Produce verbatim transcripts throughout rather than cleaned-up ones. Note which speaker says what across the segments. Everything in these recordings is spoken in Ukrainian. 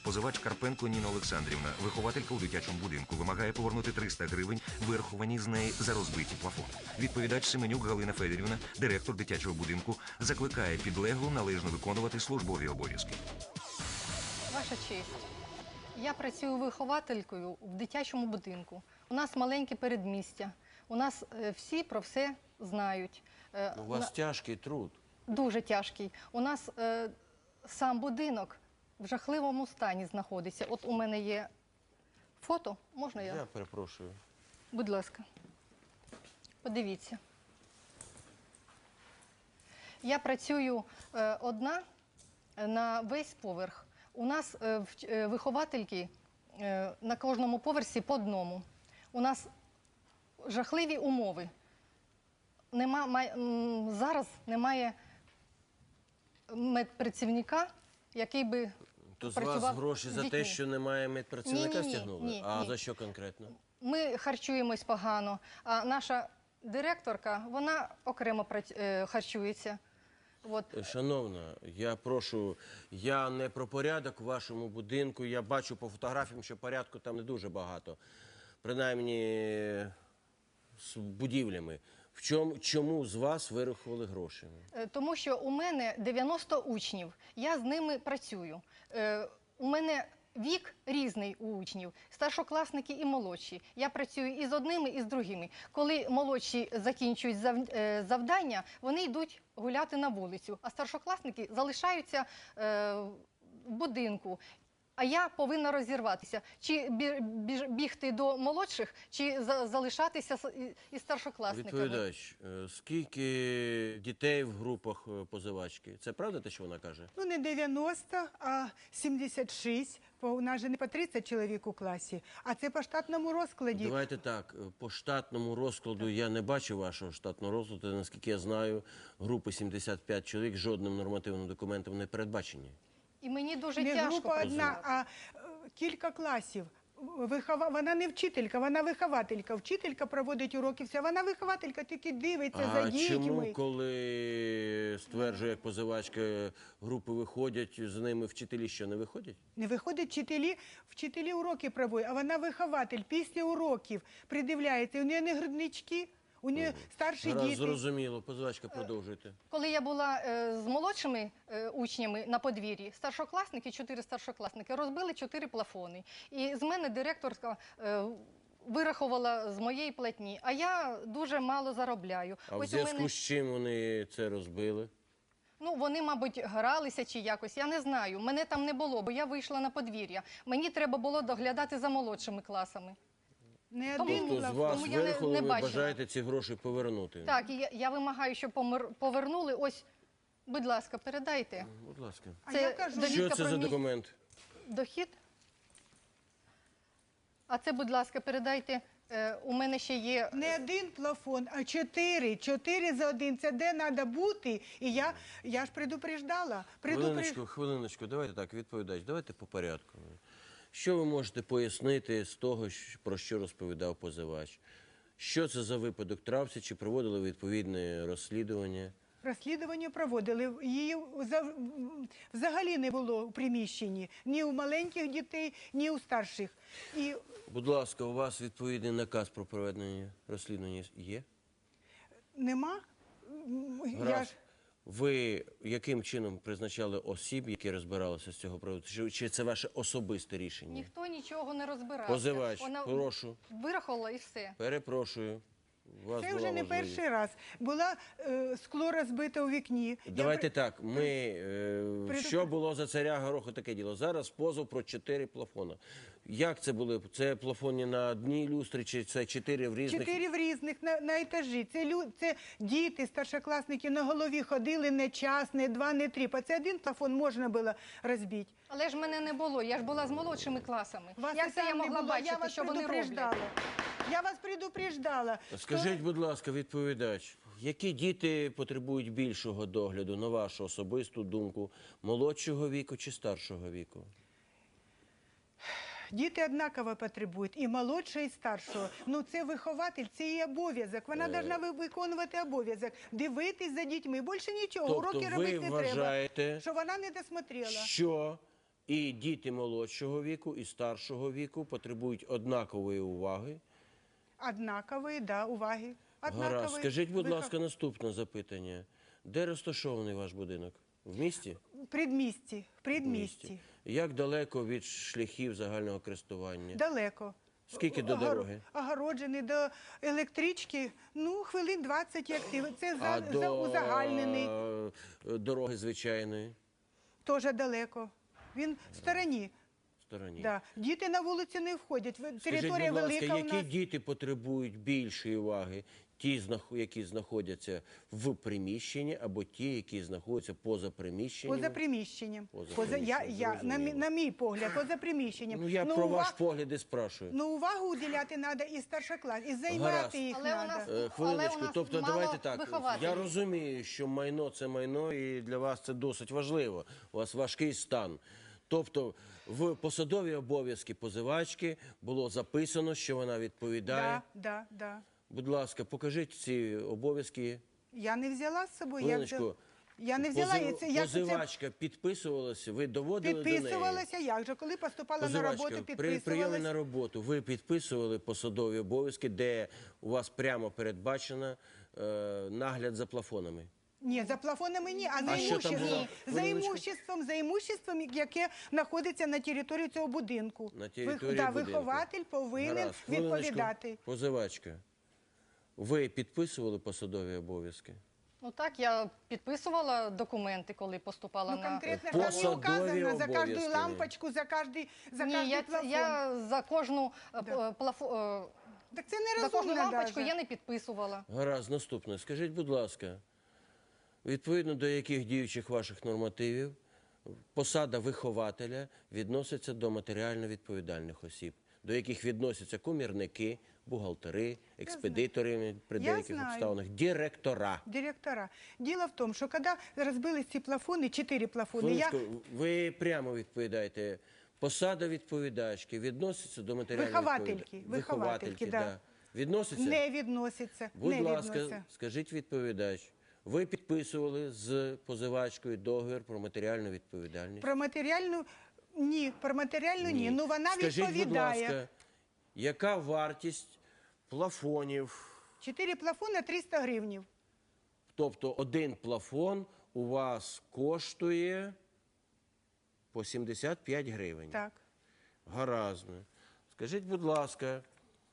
Speaker 1: Позивач Карпенко Ніна Олександрівна, вихователька у дитячому будинку, вимагає повернути триста гривень, вираховані з неї за розбиті плафон. Відповідач Семенюк Галина Федорівна, директор дитячого будинку, закликає підлеглу належно виконувати службові обов'язки.
Speaker 2: Ваша честь, я працюю вихователькою в дитячому будинку. У нас маленьке передмістя, у нас е, всі про все знають. Е,
Speaker 3: У вас
Speaker 2: на...
Speaker 3: тяжкий труд.
Speaker 2: Дуже тяжкий. У нас е, сам будинок в жахливому стані знаходиться. От у мене є фото, можна я?
Speaker 3: Я перепрошую.
Speaker 2: Будь ласка, подивіться. Я працюю е, одна на весь поверх. У нас е, е, виховательки е, на кожному поверсі по одному. У нас жахливі умови. Нема, май, м, зараз немає медпрацівника, який би
Speaker 3: То з
Speaker 2: працював
Speaker 3: вас гроші
Speaker 2: з
Speaker 3: за те,
Speaker 2: дітьми.
Speaker 3: що немає медпрацівника,
Speaker 2: Ні-ні-ні,
Speaker 3: стягнули?
Speaker 2: ні,
Speaker 3: А
Speaker 2: ні.
Speaker 3: за що конкретно?
Speaker 2: Ми харчуємось погано, а наша директорка, вона окремо прац- е, харчується. От.
Speaker 3: Шановна, я прошу, я не про порядок в вашому будинку, я бачу по фотографіям, що порядку там не дуже багато. Принаймні з будівлями. В чому, чому з вас вирахували гроші?
Speaker 2: Е, Тому що у мене дев'яносто учнів, я з ними працюю. Е, У мене вік різний у учнів, старшокласники і молодші. Я працюю і з одними, і з другими. Коли молодші закінчують зав- е, завдання, вони йдуть гуляти на вулицю, а старшокласники залишаються е, в будинку. А я повинна розірватися. Чи бі- біж- бігти до молодших, чи за- залишатися з- і- із старшокласниками.
Speaker 3: Відповідач, е, скільки дітей в групах е, позивачки? Це правда те, що вона каже?
Speaker 4: Ну, не дев'яносто, а сімдесят шість. Бо у нас же не по тридцять чоловік у класі, а це по штатному розкладі.
Speaker 3: Давайте так, е, по штатному розкладу я не бачу вашого штатного розкладу. Наскільки я знаю, групи сімдесят п'ять чоловік жодним нормативним документом не передбачені.
Speaker 2: І мені дуже
Speaker 4: Не
Speaker 2: тяжко
Speaker 4: група одна,
Speaker 2: працювати.
Speaker 4: а е, кілька класів. Вихова... Вона не вчителька, вона вихователька. Вчителька проводить уроки, все. Вона вихователька, тільки дивиться за
Speaker 3: А
Speaker 4: дітьми.
Speaker 3: чому, коли стверджує, як позивачка, групи виходять, з ними вчителі що, не виходять?
Speaker 4: Не виходять вчителі, вчителі уроки проводять, а вона вихователь. Після уроків придивляється. У неї не груднички, у неї старші
Speaker 3: Гаразд,
Speaker 4: діти.
Speaker 3: зрозуміло. Позивачка, продовжуйте.
Speaker 2: Коли я була е, з молодшими е, учнями на подвір'ї, старшокласники, чотири старшокласники, розбили чотири плафони. І з мене директорка е, вирахувала з моєї платні, а я дуже мало заробляю.
Speaker 3: А в
Speaker 2: Ось у
Speaker 3: зв'язку
Speaker 2: мене,
Speaker 3: з чим вони це розбили?
Speaker 2: ну, вони, мабуть, гралися чи якось, я не знаю. Мене там не було, бо я вийшла на подвір'я. Мені треба було доглядати за молодшими класами.
Speaker 4: Не
Speaker 2: Тому-
Speaker 4: один
Speaker 3: Тобто з
Speaker 4: плафон.
Speaker 3: вас
Speaker 2: тому я не-
Speaker 3: вирахували,
Speaker 2: не
Speaker 3: ви
Speaker 2: бачила.
Speaker 3: бажаєте ці гроші повернути?
Speaker 2: Так, і я, я вимагаю, щоб помер- повернули. Ось, будь ласка, передайте.
Speaker 3: Будь ласка.
Speaker 4: А
Speaker 2: Це
Speaker 4: я кажу,
Speaker 2: довідка
Speaker 3: Що це
Speaker 2: про
Speaker 3: за
Speaker 2: мій
Speaker 3: документ?
Speaker 2: дохід. А це, будь ласка, передайте. Е, у мене ще є...
Speaker 4: не один плафон, а чотири. Чотири за один. Це де треба бути. І я, я ж предупреждала. Предупреж...
Speaker 3: Хвилиночку, хвилиночку, давайте так, відповідач, давайте по порядку. Що ви можете пояснити з того, щ- про що розповідав позивач? Що це за випадок трався, чи проводили відповідне розслідування?
Speaker 4: Розслідування проводили. Її за- взагалі не було у приміщенні. Ні у маленьких дітей, ні у старших. І
Speaker 3: Будь ласка, у вас відповідний наказ про проведення розслідування є?
Speaker 4: нема. Я
Speaker 3: Гаразд.
Speaker 4: ж...
Speaker 3: Ви яким чином призначали осіб, які розбиралися з цього приводу? Чи, чи це ваше особисте рішення?
Speaker 2: Ніхто нічого не розбирався.
Speaker 3: Позивач,
Speaker 2: Вона
Speaker 3: прошу.
Speaker 2: вирахувала і все.
Speaker 3: Перепрошую. У вас
Speaker 4: Це
Speaker 3: була
Speaker 4: вже не
Speaker 3: можливість.
Speaker 4: перший раз. Була е, скло розбите у вікні.
Speaker 3: Давайте
Speaker 4: Я...
Speaker 3: так, ми, е,
Speaker 4: Приду-
Speaker 3: що було за царя Гороху таке діло? Зараз позов про чотири плафона. Як це були? Це плафони на одній люстрі, чи це чотири в різних?
Speaker 4: Чотири в різних на, на етажі. Це, лю... це діти, старшокласники на голові ходили не час, не два, не три. По це один плафон можна було розбити.
Speaker 2: Але ж мене не було, я ж була з молодшими класами.
Speaker 4: Вас
Speaker 2: Як
Speaker 4: і
Speaker 2: це я
Speaker 4: там не
Speaker 2: могла
Speaker 4: було, я
Speaker 2: бачити,
Speaker 4: вас
Speaker 2: що вони
Speaker 4: предупреждала.
Speaker 2: роблять?
Speaker 4: Я вас предупреждала.
Speaker 3: Скажіть, будь ласка, відповідач, які діти потребують більшого догляду, на вашу особисту думку, молодшого віку чи старшого віку?
Speaker 4: Діти однаково потребують, і молодшого, і старшого. Ну, це вихователь, це її обов'язок. Вона повинна виконувати обов'язок, дивитись за дітьми. Більше нічого,
Speaker 3: Тобто
Speaker 4: уроки
Speaker 3: ви
Speaker 4: робити не
Speaker 3: вважаєте,
Speaker 4: треба. Що вона не досмотрела.
Speaker 3: Що І діти молодшого віку, і старшого віку потребують однакової уваги.
Speaker 4: Однакові, да, уваги.
Speaker 3: Гаразд.
Speaker 4: Однакові.
Speaker 3: Скажіть, будь
Speaker 4: Вихов-
Speaker 3: ласка, наступне запитання. Де розташований ваш будинок? В місті?
Speaker 4: В предмісті, в
Speaker 3: В
Speaker 4: предмісті.
Speaker 3: Як далеко від шляхів загального користування?
Speaker 4: Далеко.
Speaker 3: Скільки до
Speaker 4: Огор-
Speaker 3: дороги?
Speaker 4: Огороджений до електрички, ну, хвилин двадцять як ти. Це за,
Speaker 3: А
Speaker 4: за
Speaker 3: до
Speaker 4: узагальнений,
Speaker 3: е, дороги звичайної
Speaker 4: теж далеко. Він в стороні.
Speaker 3: стороні?
Speaker 4: Да. Діти на вулицю не входять. Ви-
Speaker 3: Скажіть,
Speaker 4: Територія
Speaker 3: будь ласка,
Speaker 4: велика у
Speaker 3: які
Speaker 4: нас.
Speaker 3: діти потребують більшої уваги? Ті, знах- які знаходяться в приміщенні, або ті, які знаходяться поза приміщенням?
Speaker 4: Поза приміщенням.
Speaker 3: Поза
Speaker 4: Поза, я,
Speaker 3: приміщенням,
Speaker 4: я, на, мій-
Speaker 3: зрозуміло.
Speaker 4: на мій погляд, поза приміщенням.
Speaker 3: Ну, я
Speaker 4: Ну,
Speaker 3: про
Speaker 4: уваг-
Speaker 3: ваш погляд і спрашую.
Speaker 4: Ну, увагу уділяти треба і старшоклас, і займати
Speaker 3: Гаразд.
Speaker 4: їх
Speaker 2: Але у
Speaker 4: треба.
Speaker 2: нас-
Speaker 3: Е,
Speaker 2: Але
Speaker 3: Хвилиночку,
Speaker 2: у нас
Speaker 3: тобто
Speaker 2: мало
Speaker 3: давайте так.
Speaker 2: вихователів.
Speaker 3: Я розумію, що майно це майно, і для вас це досить важливо. У вас важкий стан. Тобто в посадові обов'язки позивачки було записано, що вона відповідає.
Speaker 4: Да, да, да.
Speaker 3: Будь ласка, покажіть ці обов'язки.
Speaker 4: Я не взяла з собою. Я,
Speaker 3: Хвилиночку.
Speaker 4: взяла... я не взяла.
Speaker 3: Позив-
Speaker 4: і це, я це
Speaker 3: Позивачка підписувалася, ви доводили до неї?
Speaker 4: підписувалася. Як же? Коли поступала на
Speaker 3: Позивачка,
Speaker 4: роботу,
Speaker 3: при прийомі на
Speaker 4: підписувалася.
Speaker 3: роботу ви підписували посадові обов'язки, де у вас прямо передбачено е, нагляд за плафонами?
Speaker 4: Ні, за плафонами ні, а за
Speaker 3: А що там
Speaker 4: імуществом.
Speaker 3: було?
Speaker 4: За
Speaker 3: Хвилиночку.
Speaker 4: імуществом, за імуществом, яке знаходиться на території цього будинку.
Speaker 3: На території
Speaker 4: да,
Speaker 3: будинку.
Speaker 4: вихователь повинен
Speaker 3: Гаразд. Хвилиночку.
Speaker 4: відповідати.
Speaker 3: Позивачка, ви підписували посадові обов'язки?
Speaker 2: Ну так, я підписувала документи, коли поступала
Speaker 4: Ну,
Speaker 2: на...
Speaker 4: конкретно ж там не
Speaker 3: Посадові
Speaker 4: указано за кожну
Speaker 3: обов'язки.
Speaker 4: лампочку, за кожний, за
Speaker 2: Ні,
Speaker 4: кожний
Speaker 2: я,
Speaker 4: плафон.
Speaker 2: я за кожну е,
Speaker 4: Да.
Speaker 2: п- плафо- е,
Speaker 4: Так це
Speaker 2: за кожну
Speaker 4: нерозумно
Speaker 2: лампочку
Speaker 4: даже.
Speaker 2: я не підписувала.
Speaker 3: Гаразд, наступне. Скажіть, будь ласка, відповідно до яких діючих ваших нормативів посада вихователя відноситься до матеріально відповідальних осіб, до яких відносяться комірники, бухгалтери, експедитори при
Speaker 4: Я
Speaker 3: деяких
Speaker 4: знаю.
Speaker 3: обставинах, директора.
Speaker 4: Директора. Дело в том, что когда разбились ці плафони, чотири плафони, я
Speaker 3: Хвилиночку, ви прямо відповідаєте. Посада відповідачки відноситься до матеріальної
Speaker 4: Виховательки,
Speaker 3: відповідальності?
Speaker 4: виховательки, да.
Speaker 3: Відноситься?
Speaker 4: не відноситься.
Speaker 3: Будь
Speaker 4: не
Speaker 3: ласка,
Speaker 4: відноситься.
Speaker 3: скажіть відповідач, ви підписували з позивачкою договір про матеріальну відповідальність?
Speaker 4: Про матеріальну ні, про матеріальну ні. Ну вона
Speaker 3: Скажіть,
Speaker 4: відповідає.
Speaker 3: будь ласка, яка вартість плафонів?
Speaker 4: Чотири плафони триста гривнів.
Speaker 3: Тобто один плафон у вас коштує по сімдесят п'ять гривень.
Speaker 4: Так.
Speaker 3: Гаразд. Скажіть, будь ласка,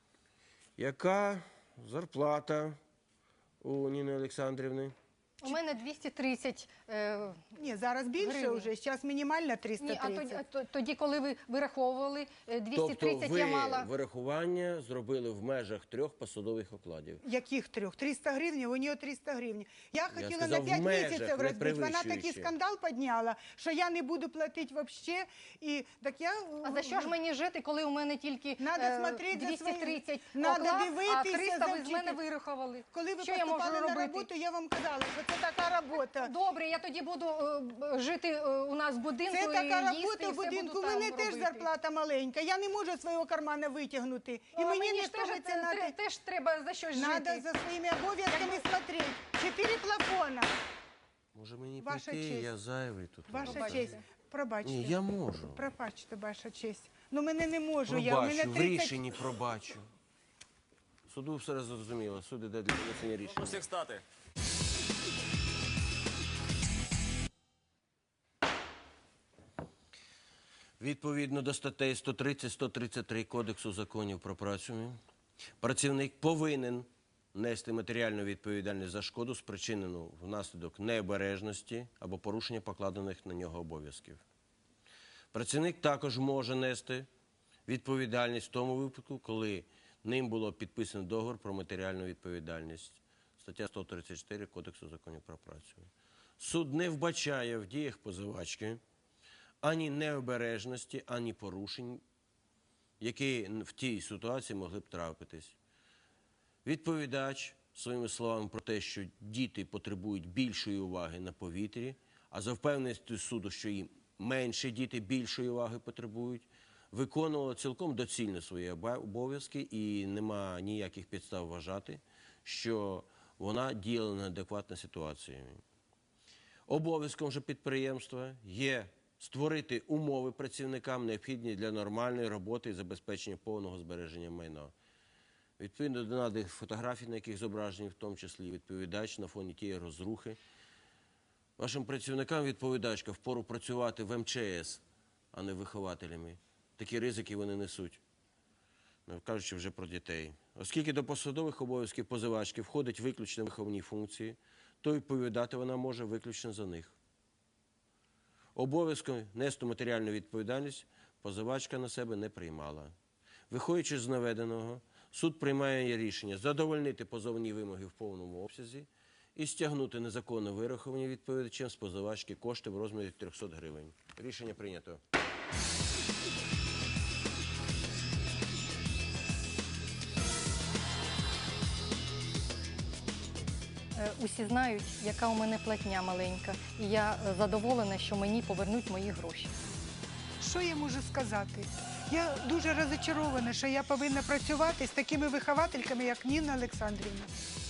Speaker 3: яка зарплата у Ніни Олександрівни?
Speaker 2: У мене двісті тридцять. Е,
Speaker 4: Ні, зараз більше
Speaker 2: Гривні.
Speaker 4: вже. Зараз мінімальна триста
Speaker 2: ні, а
Speaker 4: тридцять.
Speaker 2: тоді, а то- тоді, коли ви вираховували е, двісті
Speaker 3: Тобто
Speaker 2: тридцять,
Speaker 3: ви
Speaker 2: я мала...
Speaker 3: вирахування зробили в межах трьох посадових окладів.
Speaker 4: Яких трьох? триста гривень, у нього триста гривень. Я хотіла
Speaker 3: сказав,
Speaker 4: на
Speaker 3: в
Speaker 4: п'ять
Speaker 3: межах,
Speaker 4: місяців
Speaker 3: не
Speaker 4: розбити. Вона такий
Speaker 3: перевищуючи.
Speaker 4: скандал підняла, що я не буду платити взагалі. І так я...
Speaker 2: А за що ж мені жити, коли у мене тільки
Speaker 4: Надо
Speaker 2: е,
Speaker 4: смотреть за
Speaker 2: двісті тридцять
Speaker 4: Надо
Speaker 2: оклад, а
Speaker 4: дивитися
Speaker 2: триста
Speaker 4: за
Speaker 2: ви з мене
Speaker 4: вчителем.
Speaker 2: вирахували?
Speaker 4: Коли ви
Speaker 2: що я можу
Speaker 4: поступали на
Speaker 2: робити?
Speaker 4: роботу, я вам казала, що це така робота.
Speaker 2: Добре, я тоді буду е, жити е, у нас в будинку
Speaker 4: Це
Speaker 2: і
Speaker 4: така
Speaker 2: їсти,
Speaker 4: робота
Speaker 2: і
Speaker 4: в
Speaker 2: все
Speaker 4: будинку.
Speaker 2: буду
Speaker 4: У мене
Speaker 2: там
Speaker 4: теж
Speaker 2: робити.
Speaker 4: зарплата маленька. Я не можу свого кармана витягнути. І
Speaker 2: А
Speaker 4: мені
Speaker 2: мені
Speaker 4: не
Speaker 2: ж теж,
Speaker 4: ставиться
Speaker 2: те-
Speaker 4: на
Speaker 2: те-
Speaker 4: те.
Speaker 2: теж треба за щось
Speaker 4: Надо
Speaker 2: жити.
Speaker 4: за своїми обов'язками смотреть. Чотири плафона.
Speaker 3: Може мені
Speaker 4: Ваша
Speaker 3: прийти,
Speaker 4: честь.
Speaker 3: я зайвий тут.
Speaker 4: Ваша
Speaker 2: Пробачте.
Speaker 4: честь. Пробачте.
Speaker 3: Ні, я можу.
Speaker 4: Пробачте, ваша честь. Ну мене не можу. Я. У мене
Speaker 3: Пробачу, в
Speaker 4: тридцять...
Speaker 3: рішенні пробачу. Суду все зрозуміло, суд іде для винесення рішення.
Speaker 5: Усіх стати.
Speaker 3: Відповідно до статей сто тридцять - сто тридцять три Кодексу законів про працю, працівник повинен нести матеріальну відповідальність за шкоду, спричинену внаслідок необережності або порушення покладених на нього обов'язків. Працівник також може нести відповідальність в тому випадку, коли ним було підписано договір про матеріальну відповідальність. Стаття сто тридцять чотири Кодексу законів про працю. Суд не вбачає в діях позивачки ані необережності, ані порушень, які в тій ситуації могли б трапитись. Відповідач своїми словами про те, що діти потребують більшої уваги на повітрі, а за впевненістю суду, що їм менше діти більшої уваги потребують, виконувала цілком доцільно свої оба- обов'язки і нема ніяких підстав вважати, що вона діяла неадекватно ситуації. Обов'язком же підприємства є створити умови працівникам, необхідні для нормальної роботи і забезпечення повного збереження майна. Відповідно до наданих фотографій, на яких зображені, в тому числі відповідач на фоні тієї розрухи. Вашим працівникам відповідачка впору працювати в ем че ес, а не вихователями. Такі ризики вони несуть, не кажучи вже про дітей. Оскільки до посадових обов'язків позивачки входить виключно виховні функції, то відповідати вона може виключно за них. Обов'язком нести матеріальну відповідальність позивачка на себе не приймала. Виходячи з наведеного, суд приймає рішення задовольнити позовні вимоги в повному обсязі і стягнути незаконно вираховані відповідачем з позивачки кошти в розмірі трьохсот гривень. Рішення прийнято.
Speaker 2: Е, Усі знають, яка у мене платня маленька, і я е, задоволена, що мені повернуть мої гроші.
Speaker 4: Що я можу сказати? Я дуже розчарована, що я повинна працювати з такими виховательками, як Ніна Олександрівна.